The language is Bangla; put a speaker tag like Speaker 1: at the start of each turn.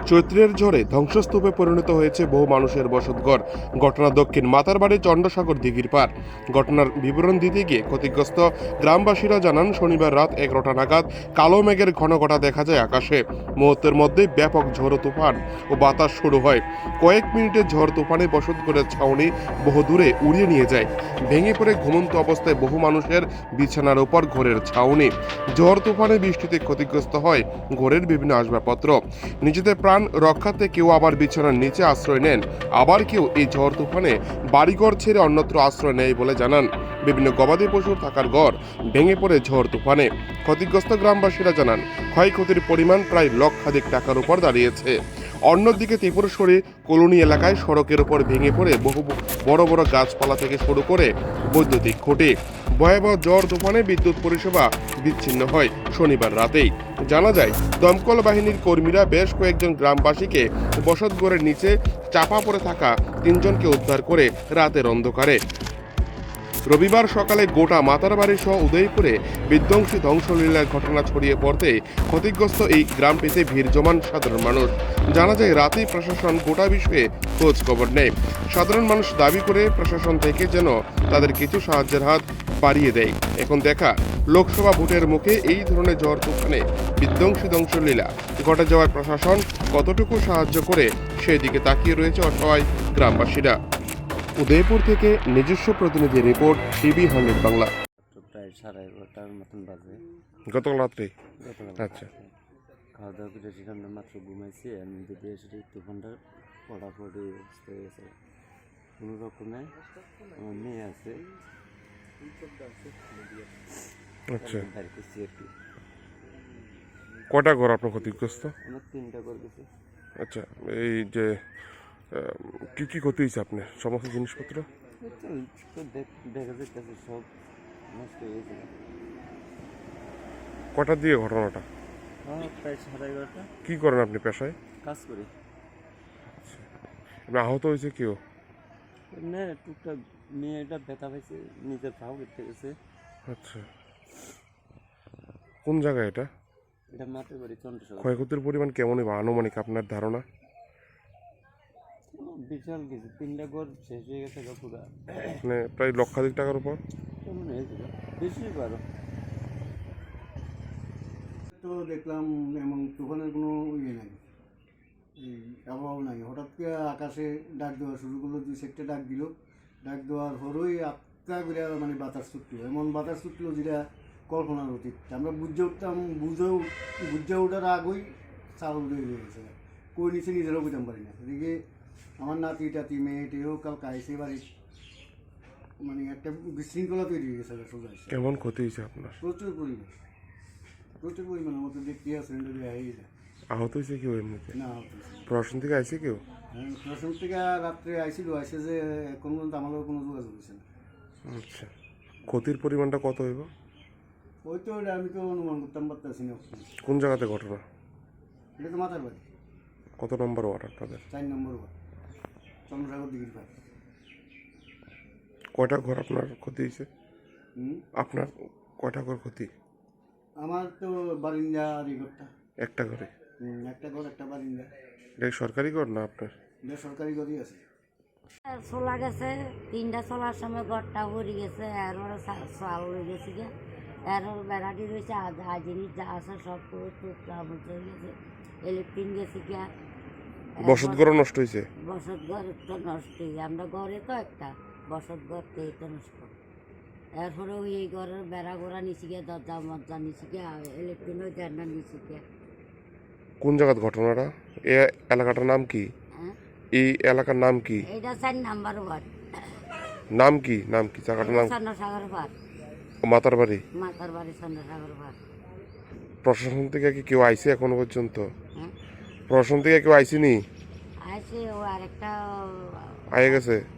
Speaker 1: চৈত্রের ঝড়ে ধ্বংসস্তূপে পরিণত হয়েছে বহু মানুষের বসতঘর। ঘটনা দক্ষিণ মাতারবাড়ি চন্দ্রসাগর দিঘির পার। ঘটনার বিবরণ দিতে গিয়ে ক্ষতিগ্রস্ত গ্রামবাসীরা জানান, শনিবার রাত 11টা নাগাদ কালো মেঘের ঘন ঘটা দেখা যায় আকাশে। মুহূর্তের মধ্যে ব্যাপক ঝড় তুফান ও বাতাস শুরু হয়। কয়েক মিনিটের ঝড় তুফানে বসতঘরের ছাউনি বহু দূরে উড়িয়ে নিয়ে যায়। ভেঙে পড়ে ঘুমন্ত অবস্থায় বহু মানুষের বিছানার উপর ঘরের ছাউনি। ঝড় তুফানে বৃষ্টিতে ক্ষতিগ্রস্ত হয় ঘরের বিভিন্ন আসবাবপত্র। নিজেদের প্রাণ রক্ষার্থে কেউ আবার বিছানার নিচে আশ্রয় নেন, আবার কেউ এই ঝড় তুফানে বাড়িঘর ছেড়ে অন্যত্র আশ্রয় নেয় বলে জানান। বিভিন্ন গবাদি পশুর থাকার ঘর ভেঙে পড়ে ঝড় তুফানে। ক্ষতিগ্রস্ত গ্রামবাসীরা জানান, ক্ষয়ক্ষতির পরিমাণ প্রায় লক্ষাধিক টাকার উপর দাঁড়িয়েছে। অন্যদিকে ত্রিপুরেশ্বরী কলোনি এলাকায় সড়কের উপর ভেঙে পড়ে বহু বড় বড় গাছপালা থেকে শুরু করে বৈদ্যুতিক খুঁটি। ভয়াবহ ঝড় তুফানে বিদ্যুৎ পরিষেবা বিচ্ছিন্ন হয় শনিবার রাতেই। জানা যায়, দমকল বাহিনীর কর্মীরা বেশ কয়েকজন গ্রামবাসীকে বসতঘরের নিচে চাপা পড়ে থাকা 3জনকে উদ্ধার করে রাতের অন্ধকারে। রবিবার সকালে গোটা মাতারবাড়ি সহ উদয়পুরে বিধ্বংসী ধ্বংসলীলার ঘটনা ছড়িয়ে পড়তে ক্ষতিগ্রস্ত এই গ্রাম পেতে ভিড় জমান সাধারণ মানুষ। জানা যায়, রাতেই প্রশাসন গোটা বিষয়ে খোঁজ খবর নেয়। সাধারণ মানুষ দাবি করে প্রশাসন থেকে যেন তাদের কিছু সাহায্যের হাত বাড়িয়ে দেয়। এখন দেখা, লোকসভা ভোটের মুখে এই ধরনের ঝড় তুফানে বিধ্বংসী ধ্বংসলীলা ঘটে যাওয়ায় প্রশাসন কতটুকু সাহায্য করে সেদিকে তাকিয়ে রয়েছে অসহায় গ্রামবাসীরা। উদয়পুর থেকে নিজস্ব প্রতিনিধি রিপোর্ট, টিভি 100 বাংলা।
Speaker 2: প্রায় 11:30টার মতন বাজে।
Speaker 1: গতকাল রাত্রে?
Speaker 2: গতকাল
Speaker 1: আচ্ছা।
Speaker 2: খাওয়া দাওয়া করে সেখানে মাত্র ঘুমাইছি, আমি যদি এসে তুফানটা পড়াপড়ি অবস্থা হয়ে গেছে। কোনো রকমে আমার মেয়ে আছে,
Speaker 1: আচ্ছা।
Speaker 2: বাড়ি করছি আর কি।
Speaker 1: কটা ঘর আপনার ক্ষতিগ্রস্ত?
Speaker 2: আমার 3টা করে গেছে।
Speaker 1: আচ্ছা, এই যে কি কি ক্ষতি হয়েছে আপনার সমস্ত জিনিসপত্র?
Speaker 2: দেখা যাচ্ছে সব নষ্ট হয়ে গেছে।
Speaker 1: কটা দিয়ে ঘটনাটা?
Speaker 2: প্রায় 11:30টা।
Speaker 1: কি করেন আপনি পেশায়?
Speaker 2: কাজ করি।
Speaker 1: আপনি আহত হয়েছে কেউ?
Speaker 2: এমনি টুকটাক মেয়েটা ব্যথা পাইছে, নিজের ভাও কেটে গেছে।
Speaker 1: আচ্ছা, কোন জায়গায় এটা?
Speaker 2: এটা মাতারবাড়ি চন্দ্রসাগর।
Speaker 1: ক্ষয়ক্ষতির পরিমাণ কেমনই বা আনুমানিক আপনার ধারণা?
Speaker 2: বিশাল কিছু, 3টা ঘর শেষ হয়ে গেছে পুরা।
Speaker 1: মানে প্রায় লক্ষাধিক টাকার উপর?
Speaker 2: কেমন হয়েছিল, বেশি পারো।
Speaker 3: তো দেখলাম এমন তুফানের কোনো ইয়ে নাই, এই আবহাওয়া নাই। হঠাৎ করে আকাশে ডাক দেওয়া শুরু করলো, 2 সেক্টর ডাক দিল। ডাক দেওয়ার পরই আত্মা করে মানে বাতাস ছুটলো, এমন বাতাস ছুটলো যেটা কল্পনার অতীত। আমরা বুঝে উঠতাম, বুঝে ওঠার আগেই চাল উড়ে গেছে, কই নিচে নিজেরাও বুঝতাম পারি না। এদিকে আমার নাতি টাতি মেয়েটেও কাল কাইছে বাড়ি, মানে একটা বিশৃঙ্খলা তৈরি হয়ে গেছে সোজা।
Speaker 1: কেমন ক্ষতি হয়েছে আপনার?
Speaker 3: প্রচুর পরিমাণ আমাদের দেখতে আসেন যদি হয়ে যায়।
Speaker 1: আহত হয়েছে কেউ এমনিতে?
Speaker 3: না,
Speaker 1: প্রশাসন থেকে আইছে কেউ?
Speaker 3: হ্যাঁ, প্রশাসন থেকে রাত্রে আইসে যে এখন পর্যন্ত আমাদের কোনো যোগাযোগ হয়েছে না।
Speaker 1: আচ্ছা, ক্ষতির পরিমাণটা কত হইব?
Speaker 3: ওই তো আমি তো অনুমান করতাম পারতেছি না।
Speaker 1: কোন জায়গাতে ঘটনা?
Speaker 3: এটা তো মাথার বাড়ি,
Speaker 1: কত নম্বর ওয়ার্ড আপনাদের?
Speaker 3: 4 নম্বর ওয়ার্ড, চন্দ্রসাগর দিঘির পাড়।
Speaker 1: কয়টা ঘর আপনার ক্ষতি হয়েছে? আপনার কয়টা ঘর ক্ষতি?
Speaker 3: আমার তো বারিন্দা আর এই ঘরটা।
Speaker 1: একটা ঘরে?
Speaker 3: একটা ঘর, একটা বারিন্দা।
Speaker 1: এটা কি সরকারি ঘর না আপনার?
Speaker 3: এটা সরকারি ঘরই আছে।
Speaker 4: চলা গেছে, 3টা চলার সময় ঘরটা উড়ে গেছে, এরপরে চাল উড়ে গেছে গিয়ে, এরপর বেড়াটি রয়েছে, যা জিনিস যা আছে সব টুকরা হয়ে গেছে, ইলেকট্রিক গেছে গিয়া।
Speaker 1: বসত ঘরও নষ্ট হয়েছে?
Speaker 4: বসত ঘর তো নষ্ট হয়ে, আমরা ঘরে তো একটা বসত ঘর তো এটা নষ্ট। এরপরে ওই এই ঘরের বেড়া গোড়া নিচে গিয়ে, দরজা মরজা নিচে গিয়ে, ইলেকট্রিক ওই জানলা নিচে গিয়ে।
Speaker 1: কোন জায়গার ঘটনাটা? এই এলাকাটার নাম কি?
Speaker 4: হ্যাঁ,
Speaker 1: এই এলাকার নাম কি?
Speaker 4: এটা 4 নম্বর ওয়ার্ড।
Speaker 1: নাম কি? জায়গাটার নাম?
Speaker 4: চন্দ্রসাগর পাড়,
Speaker 1: মাতারবাড়ি।
Speaker 4: মাতারবাড়ি চন্দ্রসাগর পাড়।
Speaker 1: প্রশাসন থেকে কি কেউ আইছে এখনো পর্যন্ত?
Speaker 4: হ্যাঁ,
Speaker 1: প্রশাসন থেকে কেউ আইসিনি?
Speaker 4: আছে ও আরেকটা
Speaker 1: আয়ে গেছে?